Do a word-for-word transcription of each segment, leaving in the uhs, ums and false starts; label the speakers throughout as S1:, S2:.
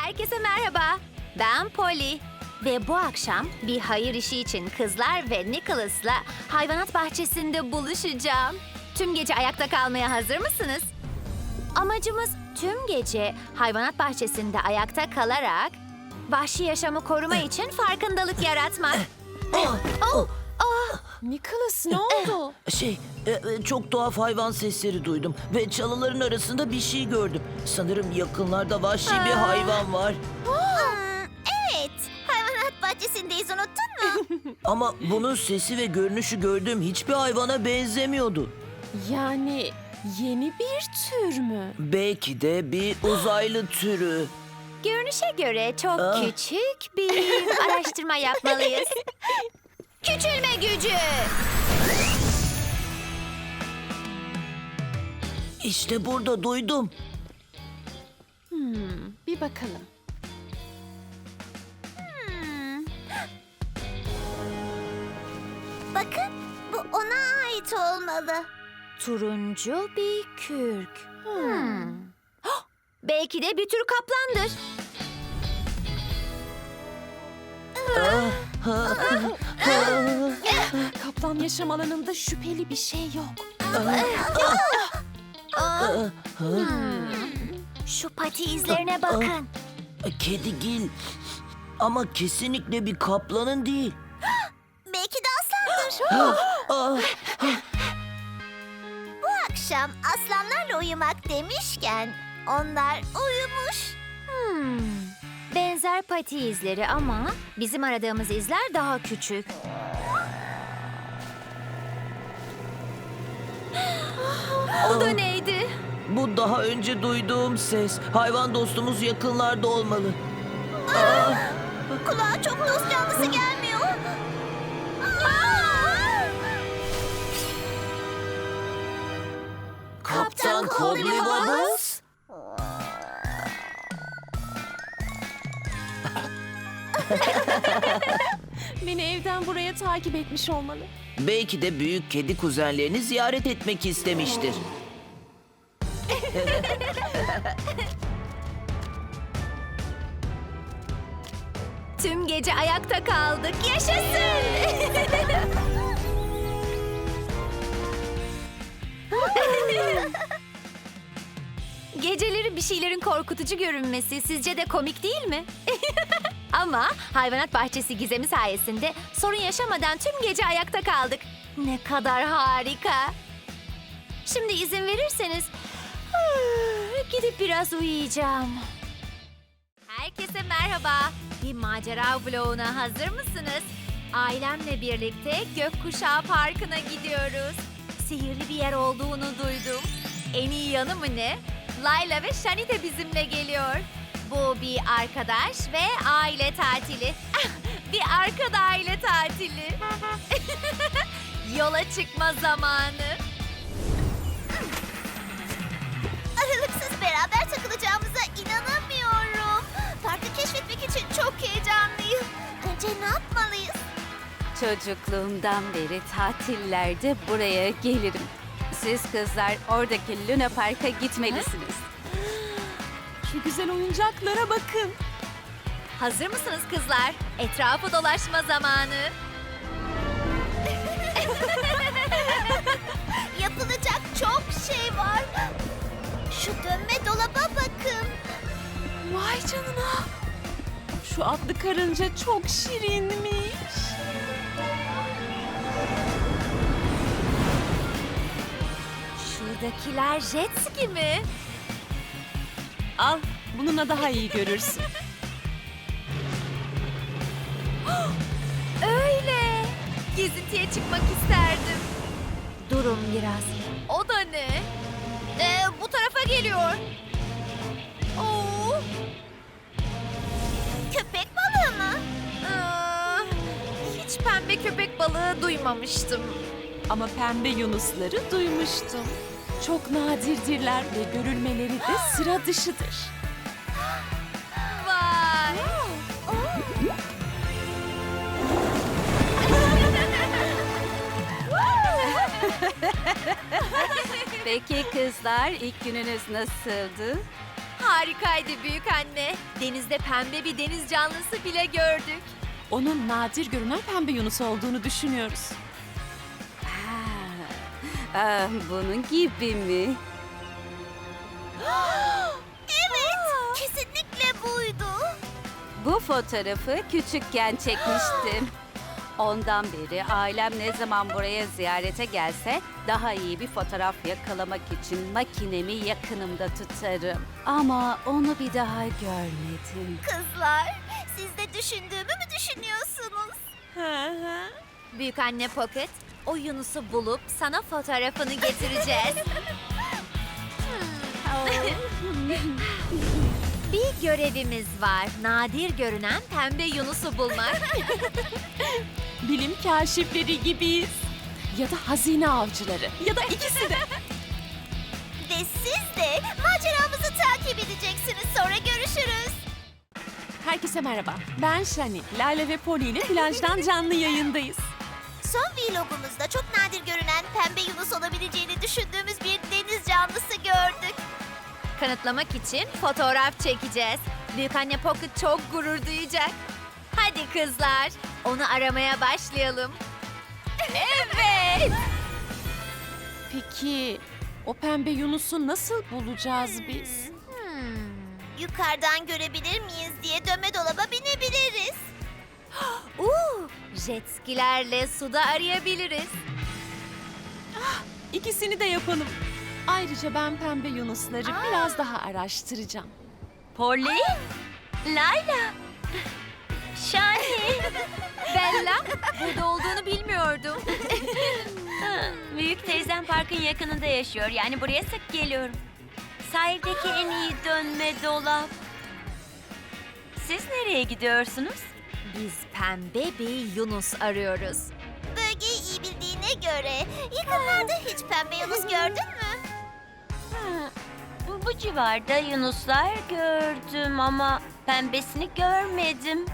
S1: Herkese merhaba. Ben Polly. Ve bu akşam bir hayır işi için kızlar ve Nicholas'la hayvanat bahçesinde buluşacağım. Tüm gece ayakta kalmaya hazır mısınız? Amacımız tüm gece hayvanat bahçesinde ayakta kalarak vahşi yaşamı koruma için farkındalık yaratmak. Oh, oh, oh.
S2: Nicholas, ne oldu?
S3: Şey, e, e, çok tuhaf hayvan sesleri duydum ve çalıların arasında bir şey gördüm. Sanırım yakınlarda vahşi bir hayvan var.
S4: Hmm, evet, hayvanat bahçesindeyiz, unuttun mu?
S3: Ama bunun sesi ve görünüşü gördüğüm hiçbir hayvana benzemiyordu.
S2: Yani yeni bir tür mü?
S3: Belki de bir uzaylı türü.
S1: Görünüşe göre çok
S3: Ah.
S1: küçük bir araştırma yapmalıyız. Küçülme gücü.
S3: İşte burada duydum.
S2: Hmm, bir bakalım.
S4: Hmm. Bakın, bu ona ait olmalı.
S1: Turuncu bir kürk. Hmm. Hah! Belki de bir tür kaplandır.
S2: Kaplan yaşam alanında şüpheli bir şey yok.
S1: Şu pati izlerine bakın.
S3: Kedigil. Ama kesinlikle bir kaplanın değil.
S4: Belki de aslandır.
S3: Ah,
S4: Bu akşam aslanlarla uyumak demişken onlar uyumuş.
S1: Hmm. Benzer pati izleri ama bizim aradığımız izler daha küçük. O da neydi?
S3: bu daha önce duyduğum ses. Hayvan dostumuz yakınlarda olmalı.
S4: Kulağa çok dost canlısı gelmiyor.
S3: Kaptan Colby Bubbles.
S2: Beni evden buraya takip etmiş olmalı.
S3: Belki de büyük kedi kuzenlerini ziyaret etmek istemiştir.
S1: Tüm gece ayakta kaldık. Yaşasın! Geceleri bir şeylerin korkutucu görünmesi sizce de komik değil mi? Ama hayvanat bahçesi gizemi sayesinde sorun yaşamadan tüm gece ayakta kaldık. Ne kadar harika. Şimdi izin verirseniz gidip biraz uyuyacağım. Herkese merhaba. Bir macera vloguna hazır mısınız? Ailemle birlikte Gökkuşağı Parkı'na gidiyoruz. Sihirli bir yer olduğunu duydum. En iyi yanı mı ne? Layla ve Shani de bizimle geliyor. Bu bir arkadaş ve aile tatili. Bir arkada aile tatili. Yola çıkma zamanı.
S4: Aralıksız beraber takılacağımıza inanamıyorum. Parkı keşfetmek için çok heyecanlıyım. Önce ne yapmalıyız?
S5: Çocukluğumdan beri tatillerde buraya gelirim. Siz kızlar oradaki Luna Park'a gitmelisiniz.
S2: Şu güzel oyuncaklara bakın.
S1: Hazır mısınız kızlar? Etrafı dolaşma zamanı.
S4: Yapılacak çok şey var. Şu dönme dolaba bakın.
S2: Vay canına. Şu atlı karınca çok şirinmiş.
S1: Şuradakiler jet ski mi?
S2: Al, bununla daha iyi görürsün.
S1: Öyle. Gezintiye çıkmak isterdim. Durun biraz. O da ne? Ee, bu tarafa geliyor. Oo.
S4: Köpek balığı mı?
S1: Aa, hiç pembe köpek balığı duymamıştım.
S2: Ama pembe yunusları duymuştum. Çok nadirdirler ve görülmeleri de sıra dışıdır.
S1: Vay.
S5: Peki kızlar ilk gününüz nasıldı?
S1: Harikaydı büyük anne. Denizde pembe bir deniz canlısı bile gördük.
S2: Onun nadir görünen pembe yunus olduğunu düşünüyoruz.
S5: Ah, ah, bunun gibi mi?
S4: Evet, kesinlikle buydu.
S5: Bu fotoğrafı küçükken çekmiştim. Ondan beri ailem ne zaman buraya ziyarete gelse daha iyi bir fotoğraf yakalamak için makinemi yakınımda tutarım. Ama onu bir daha görmedim.
S4: Kızlar, siz de düşündüğümü mü düşünüyorsunuz?
S1: Büyük anne Pocket, o Yunus'u bulup sana fotoğrafını getireceğiz. Bir görevimiz var. Nadir görünen pembe Yunus'u bulmak.
S2: Bilim kaşifleri gibiyiz. Ya da hazine avcıları. Ya da ikisi de.
S4: Ve siz de maceramızı takip edeceksiniz. Sonra görüşürüz.
S2: Herkese merhaba. Ben Shani. Lale ve Polly ile plajdan canlı yayındayız.
S4: Son vlogumuzda çok nadir görünen pembe yunus olabileceğini düşündüğümüz bir deniz canlısı gördük.
S1: Kanıtlamak için fotoğraf çekeceğiz. Büyük anne Pocket çok gurur duyacak. Hadi kızlar, onu aramaya başlayalım. Evet.
S2: Peki o pembe yunusu nasıl bulacağız biz?
S4: Yukarıdan görebilir miyiz diye dönme dolaba binebiliriz.
S1: Uuu, jet skilerle suda arayabiliriz.
S2: İkisini de yapalım. Ayrıca ben pembe yunusları biraz daha araştıracağım.
S1: Polly, Layla, Shani, Bella, burada olduğunu bilmiyordum.
S6: Büyük teyzem parkın yakınında yaşıyor. Yani buraya sık geliyorum. Sahildeki en iyi dönme dolap. Siz nereye gidiyorsunuz?
S1: Biz pembe bir Yunus arıyoruz.
S4: Bölgeyi iyi bildiğine göre yakınlarda hiç pembe yunus gördün mü?
S6: Ha, bu civarda yunuslar gördüm ama pembesini görmedim.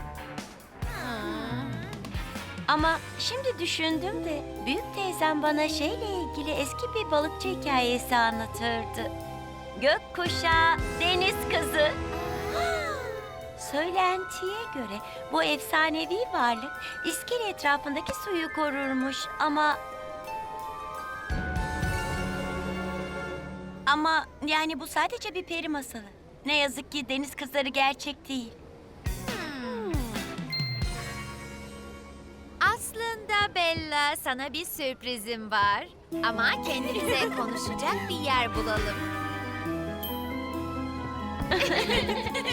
S6: Ama şimdi düşündüm de büyük teyzem bana şeyle ilgili eski bir balıkçı hikayesi anlatırdı. Gökkuşağı, deniz kızı. Söylentiye göre bu efsanevi varlık iskele etrafındaki suyu korurmuş ama... Ama yani bu sadece bir peri masalı. Ne yazık ki deniz kızları gerçek değil.
S1: Aslında Bella, sana bir sürprizim var. Ama kendimize konuşacak bir yer bulalım.